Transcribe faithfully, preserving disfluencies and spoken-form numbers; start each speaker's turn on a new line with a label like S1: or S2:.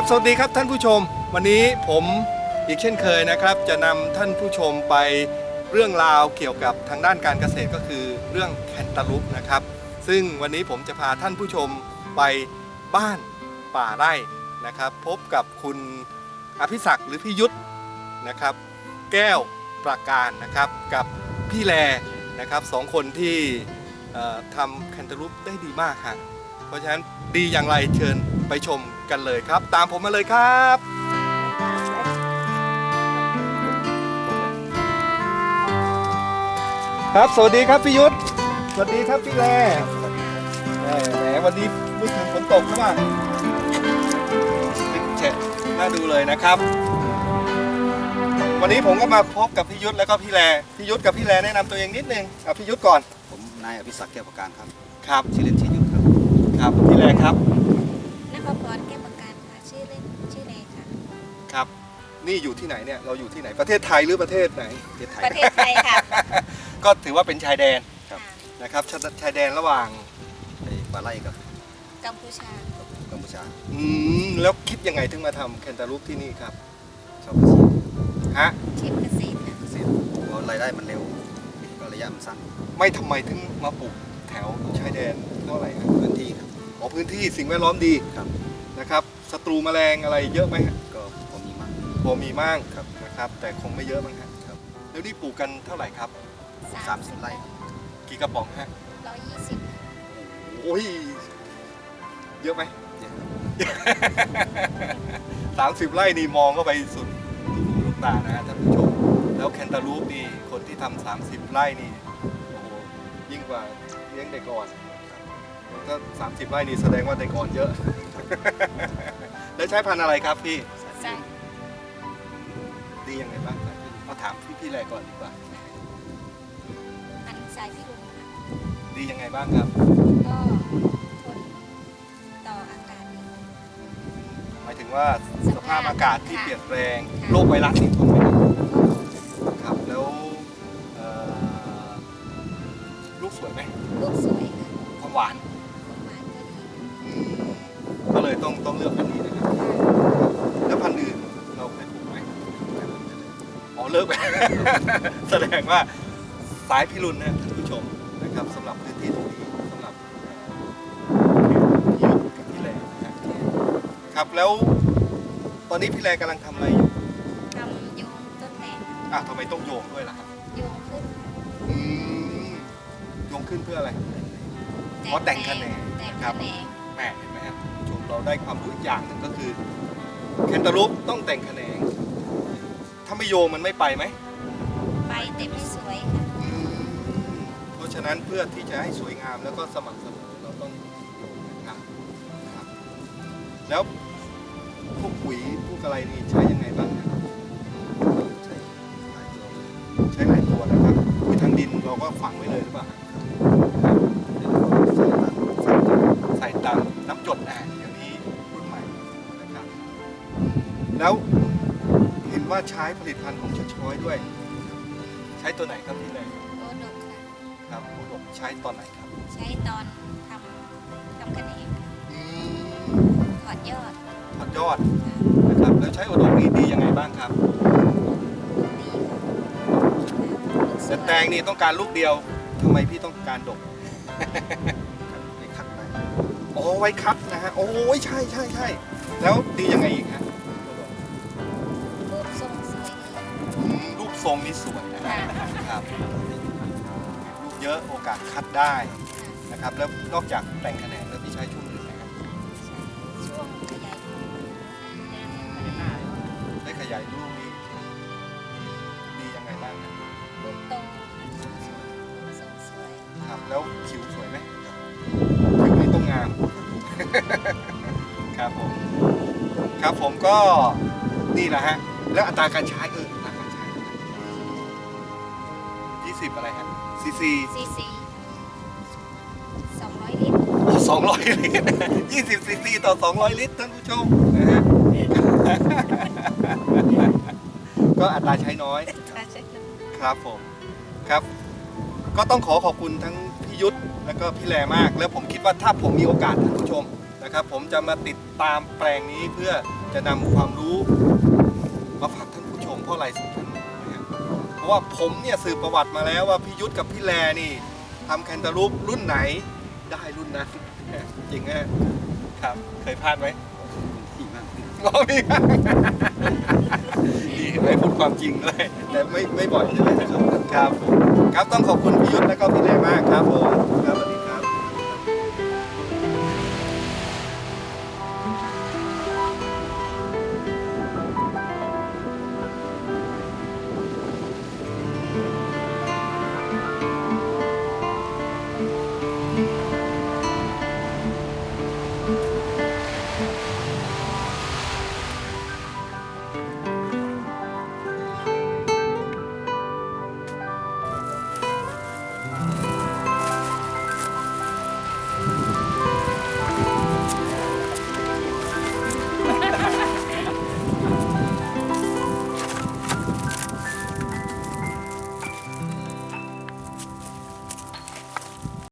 S1: สวัสดีครับท่านผู้ชมวันนี้ผมอีกเช่นเคยนะครับจะนำท่านผู้ชมไปเรื่องราวเกี่ยวกับทางด้านการเกษตรก็คือเรื่องแคนตาลูปนะครับซึ่งวันนี้ผมจะพาท่านผู้ชมไปบ้านป่าไร่นะครับพบกับคุณอภิศักดิ์หรือพี่ยุทธนะครับแก้วประการนะครับกับพี่แลนะครับสองคนที่ทำแคนตาลูปได้ดีมากฮะเพราะฉะนั้นดีอย่างไรเชิญไปชมกันเลยครับตามผมมาเลยครับครับสวัสดีครับพี่ยุทธสวัสดีครับพี่แลแหมวันนี้เมื่อคืนฝนตกใช่ไหมติดแฉะน่าดูเลยนะครับวันนี้ผมก็มาพบกับพี่ยุทธแล้วก็พี่แลพี่ยุทธกับพี่แลแนะนำตัวเองนิดนึงเอาพี่ยุทธก่อน
S2: ผมนายอภิศักดิ์แก้วประการครับ
S1: ครับ
S2: ชื่อเล่นชื่อยุทธครับ
S1: ครับพี่แลครับ
S3: นภพรแก้วประการค่ะชื่อเล่นชื่อแนค่ะ
S1: ครับนี่อยู่ที่ไหนเนี่ยเราอยู่ที่ไหนประเทศไทยหรือประเทศไหน
S3: ประเทศไทยประเทศไทยค่ะ
S1: ก็ถือว่าเป็นชายแดน
S2: ครับ
S1: นะครับชายแดนระหว่าง
S2: ป่าไร่กับ
S3: กัมพูชา
S2: กัมพูชา
S1: อืมแล้วคิดยังไงถึงมาทำแคนตาลูปที่นี่ครับ
S2: ชอบอาชีพ
S1: ฮะ
S3: อาชีพเกษตร
S2: เกษตรเพราะรายได้มันเร็วก็ระยะมันสั้น
S1: ไม่ทำไมถึงมาปลูกแถวชายแดนเท่าไหร่ครับ
S2: พื้นที่ครับ
S1: อ๋อพื้นที่สิ่งแวดล้อมดี
S2: ครับ
S1: นะครับศัตรูแมลงอะไรเยอะไหมฮะ
S2: ก็พอมีมาก
S1: พอมีมาก
S2: ครับ
S1: นะครับแต่คงไม่เยอะมั้งฮะ
S2: ครับ
S1: แล้วนี่ปลูกกันเท่าไหร่ครับ
S2: สามสิบไร่
S1: กี่กระป๋องฮะ
S3: ร้อยยี่สิบ
S1: โอ้ยเยอะไหม
S2: เยอะ
S1: สามสิบไร่นี่มองเข้าไปสุดลูกตานะฮะท่านผู้ชมแล้วแคนตาลูปนี่คนที่ทำสามสิบไร่นี่โอ้โหยิ่งกว่าเลี้ยงเด็กอ่อนถ้าสามสิบไร่นี่แสดงว่าเด็กอ่อนเยอะแล้วใช้พันธุ์อะไรครับพี่
S3: ใช่
S1: ดียังไงบ้างครับมาถามพี่พี่แรกก่อนดีกว่า
S3: พันธุ์สายพิรุณ
S1: ดียังไงบ้างครับ
S3: ก็ทนต่ออากาศดี
S1: หมายถึงว่าสภาพอากาศที่เปลี่ยนแปลงโรคไวรัสนี่ทนไหมครับแล้วลูกสวยไหม
S3: ลูกสวยค่ะ
S1: ความหวาน
S3: ความหวานก็ดี
S1: ก็เลยต้องต้องเลือกพันธุ์นี้นะครับแล้วพันธุ์อื่นเราเคยปลูกไหมอ๋อเลิกไป แสดงว่าสายพิรุณนะท่านผู้ชมนะครับสำหรับพื้นที่ตรงนี้สำหรับพี่ยุทธกับพี่แลนะครับแล้วตอนนี้พี่แลกำลังทำอะไรอยู่
S3: ทำโยงต้นแตง
S1: อ่ะทำไมต้องโยงด้วยล่ะครับ
S3: โยงขึ้น
S1: อืมโยงขึ้นเพื่ออะไรเพราะแต่งคะแนนนะครับแหมเห็นไหมครับชมเราได้ความรู้อีกอย่างหนึ่งก็คือแคนตาลูปต้องแต่งคะแนนถ้าไม่โยงมันไม่ไปไหม
S3: ไปแต่ไม่สวยค่ะ
S1: เพราะฉะนั้นเพื่อที่จะให้สวยงามแล้วก็สม่ำเสมอเราต้องโยงนะครับแล้วพวกปุ๋ยพวกอะไรนี่ใช้ยังไงบ้างครับ
S2: ใช้หลายตัว
S1: ใช้หลายตัวนะครับปุ๋ยทางดินเราก็ฝังไว้เลยหรือเปล่าใส่ตามน้ำจดอ่ะเดี๋ยวนี้รุ่นใหม่นะครับแล้วเห็นว่าใช้ผลิตภัณฑ์ของชช้อยด้วยใช้ตัวไหนครับพี่เลย
S3: โอดกค่ะ
S1: ครับโอดกใช้ตอนไหนครับ
S3: ใช้ตอนทำทำคะแนนถอดยอด
S1: ถอดยอดนะครับแล้วใช้โอดกนี่ดียังไงบ้างครับ
S3: ดี
S1: แต่แตงนี่ต้องการลูกเดียวทำไมพี่ต้องการดก
S2: ไว้คัดได้
S1: อ๋อไว้คัดนะฮะโอ้ยใช่ใช่ใช่แล้วดียังไงอีกฮะ
S3: รูปทรงสวย
S1: รูปทรงนี่สวยนะครับลูกเยอะโอกาสคัดได้นะครับแล้วนอกจากแต่งคะแนนแล้วพี่ใช้ช่วงอื่นไหมครับ
S3: ช่วงขยายลูก
S1: ได้ขยายลูกนี่ดียังไงบ้างครับ
S3: ลูกโตทรงสวย
S1: ครับแล้วผิวสวยไหมผิวนี่ต้องงามครับผมครับผมก็นี่แหละฮะแล้วอัตราการใช้เอออัตราการใช้ยี่สิบอะไรฮะซีซี
S3: ซีซีสองร้อยลิตร
S1: โอ้สองร้อยลิตรยี่สิบซีซีต่อสองร้อยลิตรท่านผู้ชมนะฮะก็อัตราใช้น้อยครับผมครับก็ต้องขอขอบคุณทั้งพี่ยุทธแล้วก็พี่แลมากแล้วผมคิดว่าถ้าผมมีโอกาสท่านผู้ชมนะครับผมจะมาติดตามแปลงนี้เพื่อจะจะนำความรู้มาฝากท่านผู้ชมเพราะอะไรสำคัญนะครับเพราะว่าผมเนี่ยสืบประวัติมาแล้วว่าพี่ยุทธกับพี่แลนี่ทำแคนตาลูปรุ่นไหนได้รุ่นนั้น จริงฮะครับเคยพลาดไหม
S2: ที่มาก
S1: อ๋อมีครับดีไม่พูดความจริงด้วยแต่ไม่ไม่บ่อยใช่ไหมครับครับผมครับต้องขอบคุณพี่ยุทธและก็พี่แลมากครับผมครับสวัสดี